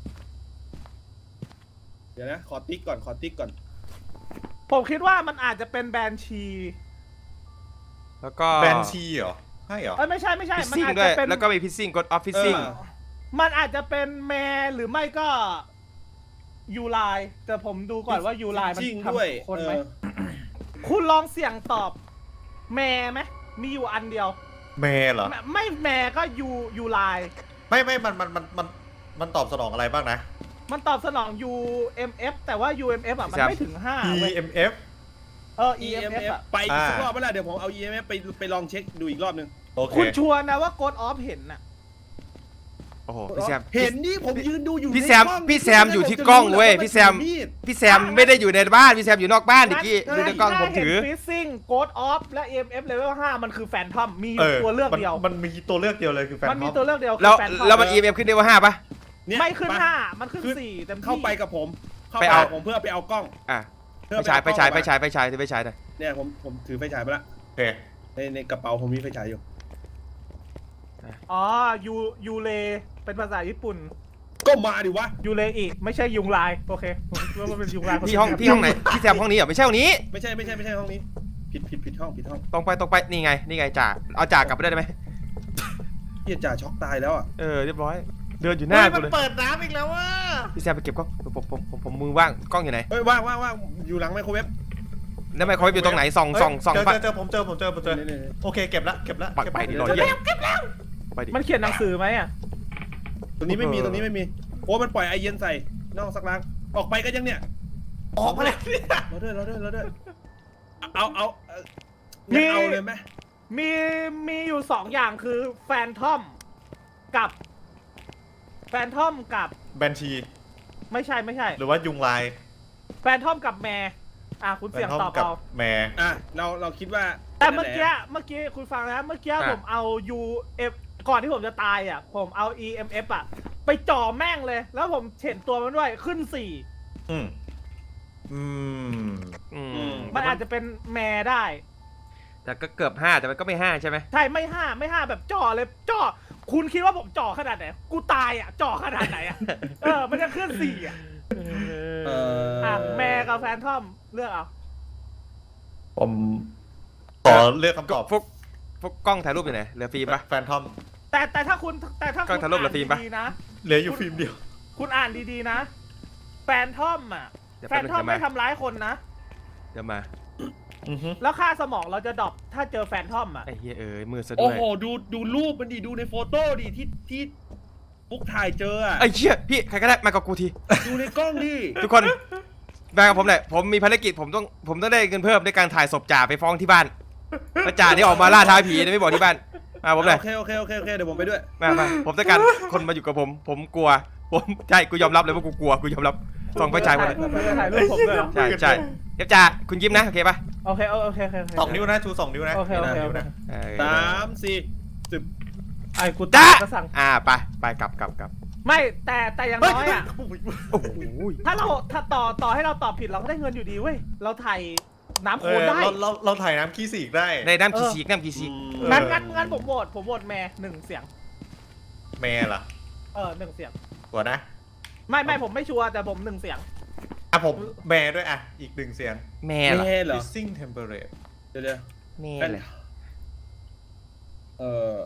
S4: เดี๋ยวนะ ขอติ๊กก่อนขอติ๊กก่อน
S5: ผมคิดว่ามันอาจจะเป็นแบนชี
S1: แล้วก็
S3: แบนชีเหรอใช่เหรอ
S5: เอ้ยไม่ใช่ไม่ใช่
S1: พิซ
S5: มัน
S1: ซิ่ง
S5: อาจ
S1: ด้ว
S5: จะ
S1: ย
S5: เป็น
S1: แล้วก็มีพิซซิ่งกดออฟพิซซิ่ง
S4: เออ
S5: มันอาจจะเป็นแมร์หรือไม่ก็ยูไลแต่ผมดูก่อนว่ายูไลมัน
S4: จริง
S5: ท
S4: ด้วย
S5: ำคน
S4: เอ
S5: ไหม
S4: อ
S5: คุณลองเสี่ยงตอบแมร์ไหมมีอยู่อันเดียว
S3: แม่เหรอ
S5: ไม่ไม่แมร์ก็ยูยูไล
S3: ไม่ไม่มันมันมันมันมันตอบสนองอะไรบ้างนะ
S5: มันตอบสนอง ยู เอ็ม เอฟ แต่ว่า ยู เอ็ม เอฟ อ่ะมันไม่ถึงห้า
S3: E
S5: เว้ย
S3: M F
S5: เออ
S4: อี
S5: อี
S4: เอ็
S5: เอ็
S4: ม
S5: ม
S4: เอ
S5: เอฟ
S4: ฟ
S5: อ่ะ
S4: ไปอีกสัก
S3: อ่าร
S4: รอบเมื่อไหร่เดี๋ยวผมเอา อี เอ็ม เอฟ ไปไปลองเช็คดูอีกรอบนึง
S3: โอเค
S5: คุณชัวร์นะว่าโกดออฟเห็นน่ะ
S1: โอ้โหพี่แซม
S4: เห็นนี่ผมยืนดูอยู่
S1: พี่
S4: ใน
S1: แซม
S4: กล้อง
S1: พี่แซมอยู่ที่กล้องเว้ยพี่แซม
S4: มีด
S1: พี่แซมไม่ได้อยู่ในบ้านพี่แซมอยู่นอกบ้านดิกี้ดูในกล้องผมถือ
S5: ฟิซซิ่งโกดออฟและ อี เอ็ม เอฟ level ห้ามันคือแฟนทอมมีอ
S3: เอยู่ อ
S5: ตัวเลือก
S3: มัน
S5: เดียว
S3: มันมีตัวเลือกเดียวเลยคือแฟน
S5: มันมี
S3: ทอม
S5: ตัวเลือกเดียวคื
S1: แล้ว
S5: อแฟนทอม
S1: แล้วมัน อี เอ็ม เอฟ ขึ้นได้ว่าห้าปะ
S4: เนี่ย
S5: ไม่ขึ้น
S4: ป
S5: ห้ามันขึ้น
S4: ขึ้น
S5: สี่เต็มที่
S4: เข้าไปกับผม เข้า
S1: ไป
S4: ไป
S1: เอา
S4: กับผมเพื่อไปเอากล้อง
S1: อ่ะ
S4: เพื่
S1: ไป
S4: อ
S1: ฉายไป
S4: เอาก
S1: ฉาย
S4: ล้อง
S1: ไปฉายไปฉายไปฉายหน่อย
S4: เนี่ยผมผมถือไฟฉายไปละ
S3: โอเค
S4: ในในกระเป๋าผมมีไฟฉายอยู่
S5: อ๋อยูยูเลเป็นภาษาญี่ปุ่น
S4: ก็มาดิวะ
S5: ยูเลอีกไม่ใช่ยุงลายโอเคผมคิดว่ามันเป็นยุงลาย
S1: พี่ห้องพี่ห้องไหนพี่แซมห้องนี้เหรอไม่ใช่ห้องนี้
S4: ไม่ใช่ไม่ใช่ไม่ใช่ห้องนี้ ผิดผิดผิดห้องผิดห้อง
S1: ตรงไปตรงไปนี่ไงนี่ไงจ่าเอาจ่ากลับไปได้ไหม
S4: เฮียจ่าช็อกตายแล้วอ่ะ
S1: เออเรียบร้อย เดินอยู่ห
S5: เฮ้
S1: น้าย กู
S5: มัน
S1: เลย
S5: เปิดน้ำอีกแล้วว่า
S1: พี่แซมไปเก็บกล้องผมผมผมผมมือว่างกล้องอยู่ไหน
S4: เฮ้ยว่างว่างว่างอยู่หลังไมโครเวฟ
S1: แล้วไมโครเวฟอยู่ตรงไหนส่องส่องส่อง
S3: เจอ
S1: ไป
S3: เจอเจอผมเจอผมเจอผมเจอ
S4: นี่นี่นี่
S3: โอเคเก็บละเก็บละ
S1: ปัก
S3: เก็บ
S1: ไป
S3: ละ
S1: ดิ
S4: เดี๋
S1: ร
S4: ยว
S1: อเยี่ยไปดิ
S5: มันเขียนหนังสือไหมอ่ะ
S4: ตรงนี้ไม่มี
S1: เออ
S4: ตรงนี้ไม่มีโอ้มันปล่อยไอเย็นใส่นอกสักล้างออกไปกันยังเนี่ย
S3: ออกมาเลยเนี่ย
S4: เราด้วยเราด้วยเราด้วยเอาเอาเอางั้นเอาเลยไหม
S5: มีมีอยู่สองอย่างคือแฟนทอมกับแฟนทอมกับ
S3: แบนชี
S5: ไม่ใช่ไม่ใช่
S3: หรือว่ายุงลาย
S5: แฟนทอมกับแมร์อ่ะคุณ
S3: แบ
S5: เสี่ย
S3: น
S5: ง
S3: ทอม
S5: ตอบ
S3: กับ
S5: เอา
S3: แม่
S4: อ่ะเราเราคิดว่า
S5: แต่เมื่อกี้เมื่อกี้คุณฟังนะเมื่อกี้ผมเอา ยู เอฟ ก่อนที่ผมจะตายอ่ะผมเอา อี เอ็ม เอฟ อ่ะไปจ่อแม่งเลย แล้วผมเห็นตัวมันด้วยขึ้นสี่
S3: อืมอืม
S1: อืม
S5: มันอาจจะเป็นแมร์ได้
S1: แต่ก็เกือบห้าแต่มันก็ไม่ห้าใช่ไหม
S5: ใช่ไม่ห้าไม่ห้าแบบจ่อเลยจ่อคุณคิดว่าผมจ่อขนาดไหนกูตายอ่ะจ่อขนาดไหนอ่ะเออมันจะขึ้นสี่อ่ะ
S4: เออ
S5: อ่ะแมร์กับแฟนทอมเลือกเอา
S3: ผมขอเลือกคำตอบ
S1: พวกพวกกล้องถ่ายรูปอยู่ไหนเหลือฟิล์มปะ
S3: แฟนทอม
S5: แต่แต่ถ้าคุณแต่ถ้า
S1: ก็
S5: คุณ
S1: ทะลุ
S5: อ่า
S1: ละฟิล์มปะ
S5: นดีๆนะ
S3: เหลืออยู่ฟิล์มเดียว
S5: คุณอ่านดีๆนะ แฟนทอมอ่ะ
S1: เดี๋ยว
S5: แฟ
S1: แป๊บ
S5: น
S1: นึง
S5: ทอม
S1: เดี๋ยวมา
S5: ไม่ทำร้ายคนนะ
S1: เดี๋ยวมา
S3: อือฮึ
S5: แล้วค่าสมองเราจะดรอปถ้าเจอแฟนทอมอ่ะ
S1: ไอ้เฮียเอ้ยมือซะ
S4: โอ้
S1: ด้วย
S4: โหดูดูรูปมันดิดูในโฟโต้ดิที่ที่ปุ๊กถ่ายเจออ่ะ
S1: ไอ้เหี้ยพี่ใครก็ได้มากับกูที
S4: ดูในกล้องดิ
S1: ทุกคนมากับผมหน่อยผมมีภารกิจผมต้องผมต้องได้เงินเพิ่มด้วยการถ่ายศพจ่าไปฟ้องที่บ้านแล้วจ่านี่ออกมาล่าท้าผีนะไม่บอกที่บ้านมาผมหน่อย
S4: โอเคโอเคโอเคโอเคเดี๋ยวผมไปด้วย
S1: มามาผมต้องการคนมาอยู่กับผม ผมกลัวผมใช่กูยอมรับเลยว่ากูกลัวกูยอมรับส่องไปฉายหมดเลย
S5: ถ่ายรูปผมด้วยเหรอ
S1: ใช่ใช่เดี๋ยวจ่าคุณยิ้มนะโอเคปะ
S5: โอเคโอเคโอเคโอเค
S3: สองนิ้วนะชูสองนิ้วนะ
S5: โอเคโอเค
S3: นิ้
S5: โอ
S3: ว
S5: เค
S3: นะ
S1: เออ
S4: สามสี่สิบ
S5: ไอ้กู
S1: จ้า
S5: ตายก็สั่ง
S1: อ่าไปไปกลับกลับกลับ
S5: ไม่แต่แต่อย่างน้อยอ่ะ
S1: โอ้โห
S5: ถ้าเราถ้าต่อต่อให้เราตอบผิดเราก็ได้เงินอยู่ดีเว้ยเราถ่ายน้ำ
S3: เอ
S5: โคล
S3: อน
S5: ได้
S3: เราเราเราถ่ายน้ำขี้สีกได้
S1: ในน้ำขี้ฉีกน้ำขี้ฉีก
S5: งั้นงั้นงั้นผมโหวตผมโหวตแม่หนึ่งเสียง
S3: แม่ล่ะ
S5: เออหนึ่งเสียง
S3: กว่านะ
S5: ไม่ไม่ผมไม่ชัวร์แต่ผมหนึ่งเสียง
S3: อ่ะผมแม่ด้วยอ่ะอีกหนึ่งเสียง
S1: แม่เหรอ
S4: แม่เหรอ
S3: Freezing temperature
S4: เดี๋ยวเดี๋ยว
S1: แม่เหรอ
S4: เออ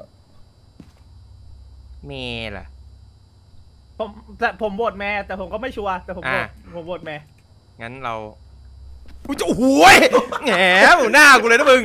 S1: แม่เหรอ
S5: ผมแต่ผมโหวตแม่แต่ผมก็ไม่ชัวร์แต่ผมโหวต
S1: อ่ะ
S5: ผมโหวตแม่
S1: งั้นเราอุ้ยโอ้โหยแหมหน้ากูเลยนะมึง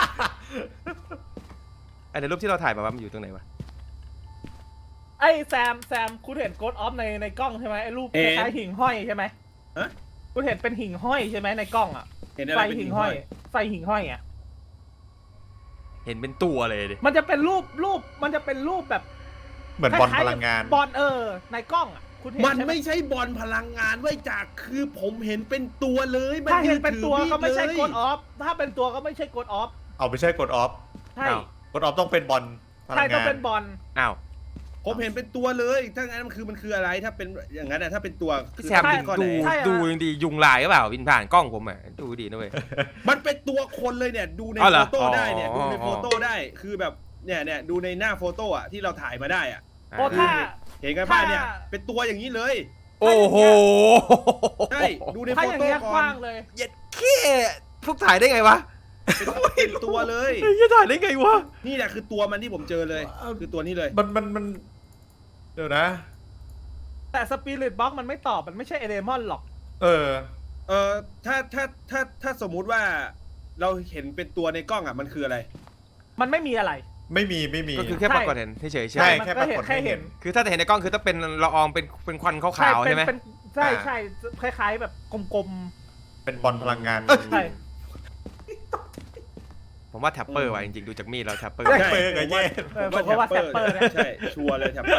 S1: ไอ้ในรูปที่เราถ่ายมาว่ามันอยู่ตรงไหนวะ
S5: ไอ้แซมแซมคุณเห็นโกดออฟในในกล้องใช่ไหมไอ้รูปคล้ายๆหิ่งห้อยใช่ไหม
S4: ฮะ
S5: คุณเห็นเป็นหิ่งห้อยใช่ไหมในกล้องอ่ะ
S4: เห็นอะไร
S5: ไฟ
S4: เป็น
S5: หิ่
S4: หิ่
S5: ง
S4: ง
S5: ห้
S4: ห้
S5: อ
S4: อย ย
S5: ไฟหิ่งห้อยอ่ะ
S1: เห็นเป็นตัวเลยดิ
S5: มันจะเป็นรูปรูปมันจะเป็นรูปแบบ
S3: เหมือนบอลพลังงาน
S5: บอลเออในกล้องอ่ะคุณเห็น
S4: มัน
S5: ใช่ไหม
S4: ไม่ใช่บอลพลังงานไว้จากคือผมเห็นเป็นตัวเลยมั
S5: ถ้าเห็น
S4: ยื
S5: เป็นตัว
S4: ถือ
S5: ก็ไม่ใช่
S4: เลย
S5: กดออฟถ้าเป็นตัวก็ไม่ใช่กดออฟ
S3: เอาไม่ใช่กดออฟ
S5: ใช่
S1: อ้าว
S3: กดออฟต้องเป็นบอลพลั
S5: ใช่
S3: ง
S5: ต้อง
S3: งาน
S5: เป็นบอล
S1: อ้าว
S4: ผมเห็นเป็นตัวเลย ถ้างั้นมันคือมันคืออะไรถ้าเป็นอย่างนั้นอะถ้าเป็นตัว
S1: พี่
S4: คือ
S1: แซม
S4: เป็
S1: ดู
S4: นก้อน
S1: ดู
S4: ไหน
S1: ดูดียุงลายหรือเปล่าวินผ่านกล้องผมอ่ะดูดีนะเว้ย
S4: มันเป็นตัวคนเลยเนี่ยดูใน
S1: อ๋อเหร
S4: โฟ
S1: อ
S4: โต้ได้เนี่ย
S1: อ๋อ
S4: ดูใน
S1: อ๋อ
S4: โฟโต้ได้คือแบบเนี่ยเนี่ยดูในหน้าโฟโต้อะที่เราถ่ายมาได้อะ
S5: โอ้ถ้า
S4: เห็นกันป่ะเนี่ย
S5: ถ้า
S4: เป็นตัวอย่างนี้เลย
S1: โอ้โห
S4: ใช่ดูใน
S5: ถ้า
S4: โฟ
S5: อย่าง
S4: โต้
S5: เงี้ย
S4: ก่
S5: ก
S4: อน
S5: ว้างเลย
S1: เย็ดเค้พวกถ่ายได้ไงวะ
S4: เป็นเป็นตัวเลย
S1: เฮ้ยถ่ายได้ไงวะ
S4: นี่แหละคือตัวมันที่ผมเจอเลย คือตัวนี้เลย
S3: มันมันมันเดี๋ยวนะ
S5: แต่สปิริตบ็อกมันไม่ตอบมันไม่ใช่เอเดมอนหรอก
S3: เออ
S4: เออถ้าถ้าถ้าถ้าสมมุติว่าเราเห็นเป็นตัวในกล้องอ่ะมันคืออะไร
S5: มันไม่มีอะไร
S3: ไม่มีไม่มี
S1: ก็คือแค่ปรากฏเห็นเฉยๆใช่
S3: ใช่
S1: ไหม
S5: มัน
S3: แค่
S5: ก็
S3: ปรา
S5: เห็น
S3: กฏ
S5: แค่
S3: ให้
S5: เห็
S3: เห็
S5: น
S3: น
S1: คือถ้าจะเห็นในกล้องคือต้องเป็นละอองเป็นเป็นควันขาวๆ
S5: เป็
S1: ใช่
S5: น
S1: ไหม
S5: เป็นใช่
S3: อ่า
S5: ใช่คล้ายๆแบบกลม
S3: เป็นบอลพลังงาน
S5: ๆใช่
S1: ผมว่าแท็ปเปอร์ว่ะจริงๆดูจากมีดแล้วแท็ปเปอร์
S3: แท็ปเปอร์กับแย่
S5: เออผมก็ว่าแท็ปเปอร์นะ
S4: ใช่ชัวร์เลยแท็ปเปอร์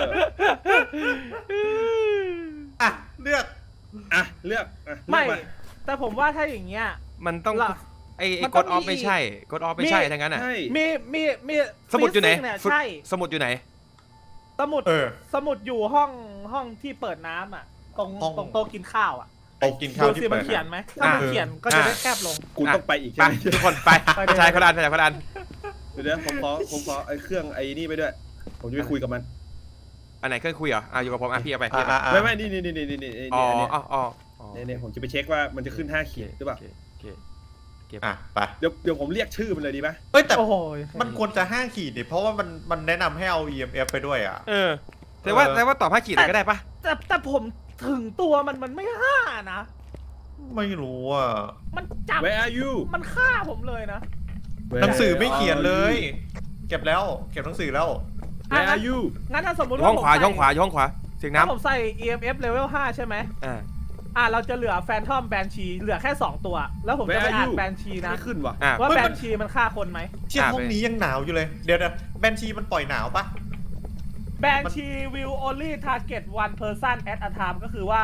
S3: อ่ะเลือก
S4: อ่ะเลือกอ่ะเลื
S5: ไม่
S4: อกา
S5: แต่ผมว่าถ้าอย่างเงี้ย
S1: มันต้อง
S5: ล่ะ
S1: ไอ้ไอ้
S5: มัน
S1: ก
S5: ต้อ
S1: ด
S5: ง
S1: ออฟ
S5: มี
S1: ไม่ใช่กดออฟไม่
S5: มี
S1: ใช่ทั้งนั้นอ่ะ
S4: ใช่
S5: มีมีมี
S1: สมุดอยู่ไหน
S5: ฟิซซิ่งเนี่ยใช่
S1: สมุดอยู่ไหน
S5: สมุด
S3: เออ
S5: สมุดอยู่ห้องห้องที่เปิดน้ำอ่ะ ตรง
S3: ห้อง
S5: ตรงโต๊ะกินข้าวอ่ะ
S3: ไปกินข้าว
S5: ดู
S3: ที่
S5: สิ
S3: เปิ
S5: มัน
S3: ด
S5: เขียนไหมถ้ามัน
S1: อ่า
S5: เขียนก็จะได้แคบลง
S4: กูต้องไปอีก
S1: ไป
S4: ใช่ไหม
S1: ทุกคนไป
S5: ไปเลย
S1: ชายคนละอันชายคนละอัน
S4: เดี๋ยวนะผมขอผมขอไอ้เครื่องไอ้นี่ไปด้วย ผมจะไปคุยกับมัน
S1: อันไหนเครื่องคุยเหรออ่ะอยู่กับผมอ่ะพี่เอาไปพี่
S3: อ่ะ
S1: เอาไป
S3: อ่ะอ่ะ
S4: ไม่ไม่นี่นี่นี่นี่นี่นี่
S1: อ๋อ
S4: นี่
S1: อ๋ออ๋ออ๋อ
S4: เนี่ยเนี่ยผมจะไปเช็คว่ามันจะขึ้นห้าขีดหรือเปล่า
S1: โอเคโอเคโอเค
S3: อ่ะไป
S4: เดี๋ยวเดี๋ยวผมเรียกชื่อมันเลยดีไหม
S3: เอ้ยแต่
S5: โอ้โห
S3: มันควรจะห้าขีดดิเพราะว่ามันมันแนะนำให้เอา อี เอ็ม เอฟ ไปด้วยอ่ะ
S1: เออแต่ว่า
S3: เออ
S1: แต่ว่าตอบห้าขีดเลยก็ได้ปะ
S5: แต่แต่ผมถึงตัวมันมันไม่ห้านะ
S3: ไม่รู้อ่ะ
S5: มันจับ
S4: Where are you
S5: มันฆ่าผมเลยนะ
S3: หนังสือไม่เขียนเลย เก็บแล้ว เก็บหนังสือแล้ว
S4: Where are you
S5: งั้นถ้าสมมติ
S1: ห้
S5: ว่า
S1: อง
S5: ผม
S1: ขวา
S5: ใส่
S1: ห้องขวาห้องขวาเสียง
S5: ถ้า
S1: น้ำ
S5: ผมใส่ อี เอ็ม เอฟ level ห้าใช่ไหม
S1: อ่า
S5: อ่าเราจะเหลือแฟนทอมแบนชีเหลือแค่สองตัว แล้วผมจะ
S4: Where
S5: ไป
S4: are
S5: อ่าน
S4: you
S5: แบนชีนะ
S4: ไม่ขึ้นว่ะ
S1: อ่า
S5: ว่า
S3: เฮ้ย
S5: แบ
S3: มัน
S5: นชีมันฆ่าคนไหม
S3: เชี่ย
S1: อ่ะ
S3: ห้อง
S1: ไป
S3: นี้ยังหนาวอยู่เลย เดี๋ยวนะแบนชีมันปล่อยหนาวปะ
S5: แบนชี will only target one person at a time ก็คือว่า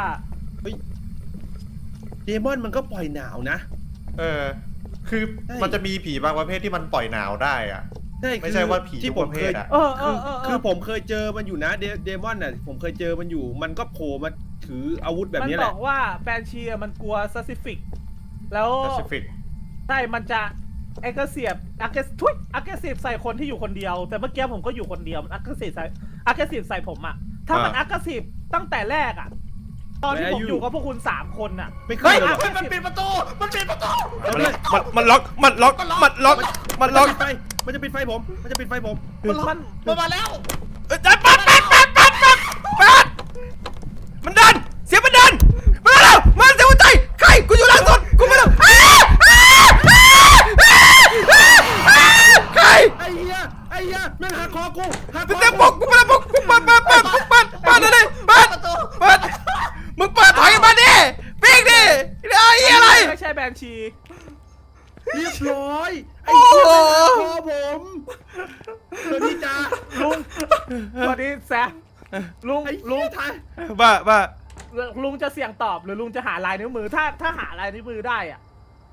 S4: เดมอนมันก็ปล่อยหนาวนะ
S3: เออ คือ
S4: ใช่
S3: มันจะมีผีบางประเภทที่มันปล่อยหนาวได้อ่ะ
S4: ใช่
S3: ไม่ใช่ว่าผี
S4: ที่
S3: ทุก
S4: ผ
S3: ป
S4: ม
S3: ระเภ
S4: เค
S3: ท
S4: ย
S3: อ่ะ
S5: เออเอ
S4: คือ
S5: อเออเออ
S4: คือผมเคยเจอมันอยู่นะเดเดมอนน่ะผมเคยเจอมันอยู่ มันก็โผล่มาถืออาวุธแบบ
S5: มัน
S4: นี้แห
S5: บ
S4: ละ
S5: อกว่าแบนชีมันกลัว specific แล้ว
S3: Pacific
S5: ใช่มันจะ aggressive aggressive ทุย aggressive ใส่คนที่อยู่คนเดียว แต่เมื่อกี้ผมก็อยู่คนเดียวมัน aggressive ใส่ aggressive ใส่ผมอะถ้ามัน
S3: อ่า
S5: aggressive ตั้งแต่แรกอะตอนที่ผมอยู่กับพวกคุณสามคนอะ
S4: ไม่ขึ้นเลย
S5: เฮ้ย
S4: ว่ะ
S3: มันปิดประตู มันปิดประตู
S1: มันมันมันล็อกมันล็อกมันล็อกมันล็อก
S4: จะปิดไฟมันจะปิดไฟผม มันจะปิดไฟผม
S5: มันมัน
S3: มันมาแล้ว
S1: เอ้ยปัดปัดปัดปัดปัดปัดปัดมันดันเสียงมันดันมาแล้วมาเสียงหัวใจใครกูอยู่หลังสุดกูไม่รู้อ้าอ้าอ้าอ้าอ้าใคร
S4: ไอ้เหี้ยไอ้เหี้ยแม่งหักคอกูหักค
S1: เป็น
S4: อ
S1: เสียงปลุกกูไม่ได้ปลุกกูเปิดเปิดเปิดเปิดเปิดเปิดเลยเปิดเปิดมึงเปิดถอยมาดิปีกดิไอ้เหี้ยอะไร
S5: ไม่ใช่แบนชี
S4: เรียบร้อย ไอ้เหี้ยแม่งหักคอผมสวัสดีจ้า
S5: ลุงสวัสดีแซมลุง
S4: ไอ้
S5: ลุ
S4: ลุ
S5: ง
S4: งไทย
S1: บ้าบ้า
S5: ลุงจะเสี่ยงตอบหรือลุงจะหาลายนิ้วมือถ้าถ้าหาลายนิ้วมือได้อะ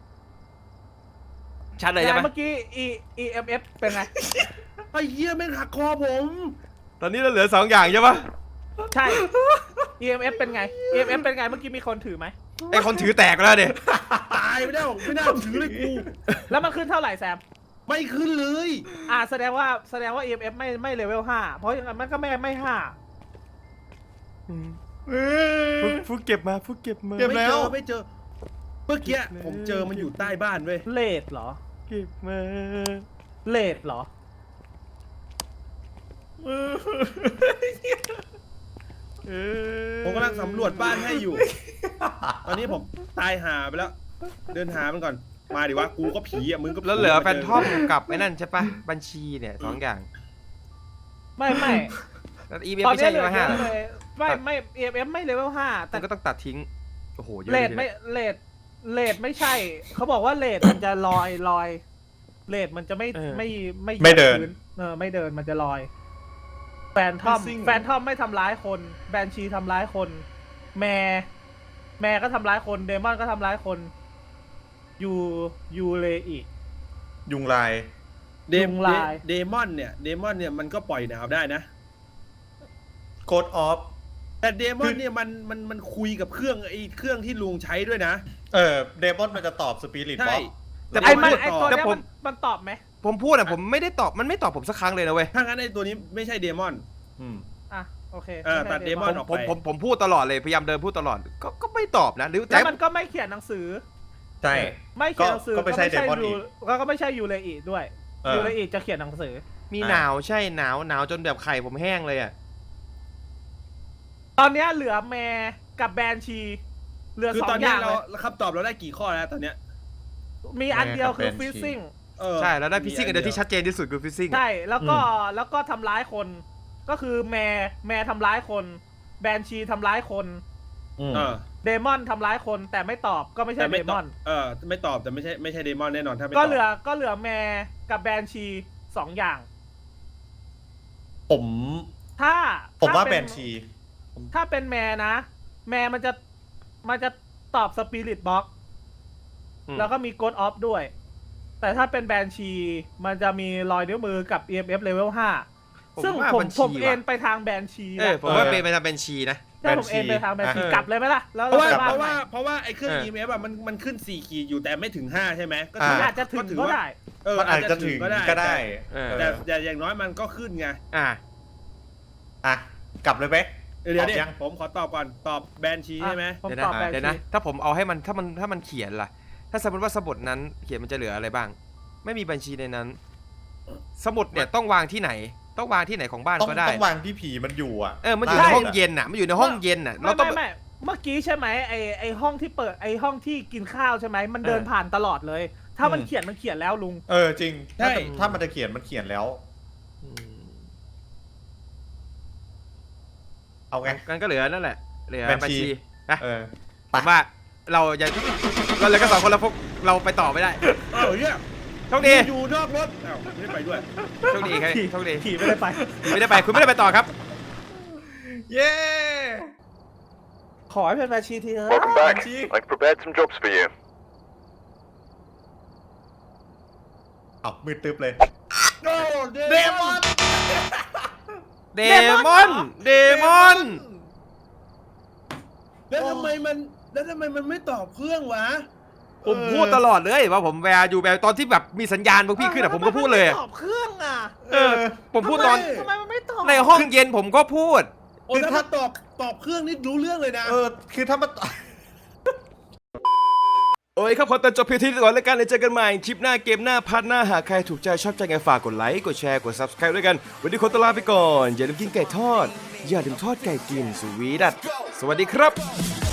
S1: ชัดเลยใช่ไหม
S5: เมื่อกี้ E E M F เป็นไง
S4: ไอ้เหี้ยแม่งหักคอผม
S1: ตอนนี้เราเหลือสองอย่างใช่ปะ
S5: ใช่ E M F เป็นไง E M F เป็นไงเมื่อกี้มีคนถือไหม
S1: ไอคนถือแตกแล้วเด็
S4: ตายไปแล้วไม่น่าถือเลยกู
S5: แล้วมันขึ้นเท่าไหร่แซม
S4: ไม่ขึ้นเลย
S5: อ่าแสดงว่าแสดงว่า E M F ไม่ไม่เลเวลห้าเพราะอย่างนั้นมันก็ไม่ไม่ห้า
S1: ฟูเก็บมาฟูเก็บมา
S3: เก็บ
S4: ไม่
S3: แล้
S4: เจ
S3: ว
S4: อไม่เจอ เมื่อกี้ผมเจอมันอยู่ใต้บ้านเว้ย
S5: เลดเหรอ
S1: เก็บมา
S5: เลดเหรอ
S4: ผมกำลังสำรวจบ้านให้อยู่ ตอนนี้ผมตายหาไปแล้ว เดินหามันก่อน มาดิวะ กูก็ผีอ่ะ มึงก็ผี
S1: แล้วเหลือแฟนทอมกับไอ้นั่นใช่ปะบัญชีเนี่ยสองอย่าง
S5: ไม่ไม่
S1: แล้วอีเม
S5: ตอน
S1: ไม่
S5: นี้
S1: ใช่
S5: เหลื
S1: เล
S5: อ
S1: ห้า
S5: เยอะเลยไม่ไม่ E M F ไม่เลเวลห้าแต่
S1: แต่ก็ต้องตัดทิ้งโอ้โหเยอะ
S5: เล
S1: เลย
S5: ดไม่เลดเลดไม่ใช่ เขาบอกว่าเลดมันจะลอยลอยเลดมันจะไม่ไม่ไม่
S3: ไม่เดิน
S5: พื้เออไม่เดินมันจะลอยแฟนทอม
S3: Missing
S5: แฟนทอมไม่ทำร้ายคนแบนชีทำร้ายคน แมร์แมร์ก็ทำร้ายคนเดมอนก็ทำร้ายคนยูยูเลอี
S3: ยุงลาย
S4: เดม
S5: ยุงลาย
S4: เดมอนเนี่ยเดมอนเนี่ยมันก็ปล่อยหนาวได้นะ
S3: โกดออฟ
S4: แต่เดมอ
S3: คื
S4: น
S3: อ
S4: เนี่ยมันมันมันคุยกับเครื่องไอ้เครื่องที่ลุงใช้ด้วยนะ
S3: เออเดมอนมันจะตอบสปิริต
S4: ใช่
S3: บ็อก
S1: แต่
S5: ไอ้มัน
S1: พูด
S5: ไอ้ตัว
S1: แต่
S5: เนี้ย
S1: ผ
S5: มั
S1: ม
S5: นมันตอบไหม
S1: ผมพูดอะผมไม่ได้ตอบมันไม่ตอบผมสักครั้งเลยนะเว้ย
S4: ถ้างั้นไอ้ตัวนี้ไม่ใช่เดมอน
S3: อืม
S5: อ่ะโอเค
S4: เออ
S5: ไใช่
S4: ตัด
S5: Demon
S4: Demon
S1: ผมผมผมผมพูดตลอดเลยพยายามเดินพูดตลอดก็ก็ไม่ตอบนะหรือ
S5: แล้
S1: แต่
S5: วมันก็ไม่เขียนหนังสือ
S3: ใช่
S5: ไม่เขียนหนังสือ
S3: ก็ไม่ใช่ Demon
S5: ยู
S3: อีก
S5: ก็ก็ไม่ใช่ยูเลอีด้วย
S3: เออ
S5: ยูเลอีจะเขียนหนังสือ
S1: มี
S3: อ่ะ
S1: หนาวใช่หนาวหนาวจนแบบไข่ผมแห้งเลยอะ
S5: ตอนเนี้ยเหลือแมร์กับแบนชี เหลือ
S4: คือ
S5: สอ
S4: ตอน
S5: งอ
S4: เนี้ย
S5: ย่าง
S4: เรา
S5: เลย
S4: คำตอบเราได้กี่ข้อแล้วตอนเนี้ย
S5: มีอันเดียวคือ
S3: แมร์กับ
S5: ฟิซซิ่ง
S4: เออ
S1: ใช่แล้วได้ฟิซซิ่งอันเดียวที่ชัดเจนที่สุดคือฟิซซิ่ง
S5: ใช่แล้วก็แล้วก็ทำร้ายคน ก็คือแมร์แมร์ทำร้ายคน แบนชีทำร้ายคน
S3: อืม
S4: เออ
S5: เดมอนทำร้ายคนแต่ไม่ตอบก็ไม่ใช่
S4: แต่
S5: เด
S4: ไม่ต
S5: ม
S4: อ
S5: อบ น
S4: เออไม่ตอบแต่ไม่ใช่ไม่ใช่เดมอนแน่นอนถ้าไม่ต
S5: ก็
S4: อบ
S5: เหลือก็เหลือแมร์กับแบนชีสองอย่าง
S3: ผม
S5: ถ้า
S3: ผมว่า
S5: ถ้
S3: แบ
S5: เป็น
S3: ชี
S5: ถ้าเป็นแมร์นะ แมร์มันจะมันจะตอบสปิริตบ็อก
S1: อืม
S5: แล้วก็มีโกดออฟด้วย แต่ถ้าเป็นแบนชี มันจะมีรอยนิ้วมือกับ อี เอ็ม เอฟ level ห้า ซึ่ง
S1: ว่า
S5: ผม
S1: บัญชี
S5: ผมเอ็น
S1: ว่ะ
S5: ไปทางแบนชี
S1: เออผมว่าเป็นไปทำเป็นชีนะ
S5: ใช่ผมเอ็นไปทางแบนชี
S1: เออ
S5: กลับเลยไหมล่ะ แล้ว
S4: เพราะว่า
S5: ไป
S4: เพ
S5: บ้น
S4: ราะ
S5: ใหม่
S4: ว่าเพราะว่าไอ้เครื่อง
S1: เออ
S4: อี เอ็ม เอฟ อ่ะมันมันขึ้นสี่ขีดอยู่แต่ไม่ถึงห้าใช่ไหมก็
S3: อ่า
S4: ถือว่า
S5: อาจจะถึง
S4: ถือ
S5: ก็
S4: ว่า
S5: ได้
S4: เออ
S3: มันอาจจะถึงก็ได้
S1: เออ
S4: แต่แต่อย่างน้อยมันก็ขึ้นไง
S1: อ่ะ
S3: อ่ะกลับเลยไหม
S4: เดี๋ยว
S3: ตอบ
S4: เดี๋ยว
S3: ยัง
S4: ผมขอตอบก่อนตอบแบนชีใช่ไหม
S5: ผม
S1: เดี๋ยว
S5: ต
S1: นะ
S5: อบแบน
S1: เดี๋ยว
S5: ชี
S1: นะถ้าผมเอาให้มันถ้ามันถ้ามันเขียนล่ะ ถ้าสมมติว่าสมุดนั้นเขียนมันจะเหลืออะไรบ้าง ไม่มีบัญชีในนั้น สมุดเนี่ยต้องวางที่ไหน ต้องวางที่ไหนของบ้าน
S3: ต้อง
S1: ก็ได้
S3: ต้องวางที่ผีมันอยู่อ่ะ
S1: เออมันอยู่
S3: ใช่
S1: ในห้องเย็นน่ะมันอยู่ในห้องเย็นน่ะ
S5: ไม่
S1: เราต้อง
S5: ไม่ไม่เมื่อกี้ใช่ไหมไอไอห้องที่เปิดไอห้องที่กินข้าวใช่ไหมมันเดิน
S1: เออ
S5: ผ่านตลอดเลย ถ้ามัน
S3: อืม
S5: เขียนมันเขียนแล้วลุง
S3: เออจริงถ้าจะถ้ามันจะเขียนมันเขียนแล้ว
S1: อืม
S3: เอาไง
S1: กันก็เหลือนั่นแหละเหลือ
S3: บั
S1: บัญ
S3: ญชี
S1: ชีนะ
S3: เออ
S1: ผมว่าเราอย่าเราเหลือกันสองคนแล้วพวกเราไปต่อไม่ได้
S4: เออเนี่ย
S1: โชคดี
S4: อยู่นอกรถอ้าวไม่ได้ไปด้วย
S1: โชคดีครับโชคดี
S5: ขี่ไม่ได้ไป
S1: ไม่ได้ไปคุณไม่ได้ไปต่อครับ
S3: เย้
S5: ขอให้เป็นแบนชีทีเถอะ
S6: Welcome back. I've prepared some jobs for you.
S3: เอามืดตึ๊บเลย
S4: โอ้เด
S3: เดมอน
S1: เดมอน เดมอน
S4: แล้วทำไมมันแล้วทำไมมันไม่ตอบเครื่องวะ
S1: ผมพูดตลอดเลยว่าผมแวร์อยู่แวร์ตอนที่แบบมีสัญญาณพวกพี่ขึ้นอะผมก็พูดเลยอะ
S5: ตอบเครื่องอ่ะ
S1: เออ ผมพูดตอน
S5: ทำไมมันไม่ตอบ
S1: ในห้องเย็นผมก็พูด
S4: โอ้ถ้าตอบตอบเครื่องนี่รู้เรื่องเลยนะ
S3: เออคือถ้ามัน
S2: โอ้ยครับขอตัดจบเพียงเที่านี้ก่อนแล้วกันเลยเจอกันใหม่คลิปหน้าเกมหน้าพาร์ทหน้าหากใครถูกใจชอบใจไงฝากกดไลค์กดแชร์กด ซับสไครบ์ ด้วยกันวันนี้ขอตัวลาไปก่อน อย่าลืมกินไก่ทอด อย่าลืมทอดไก่กินสวีดัตสวัสดีครับ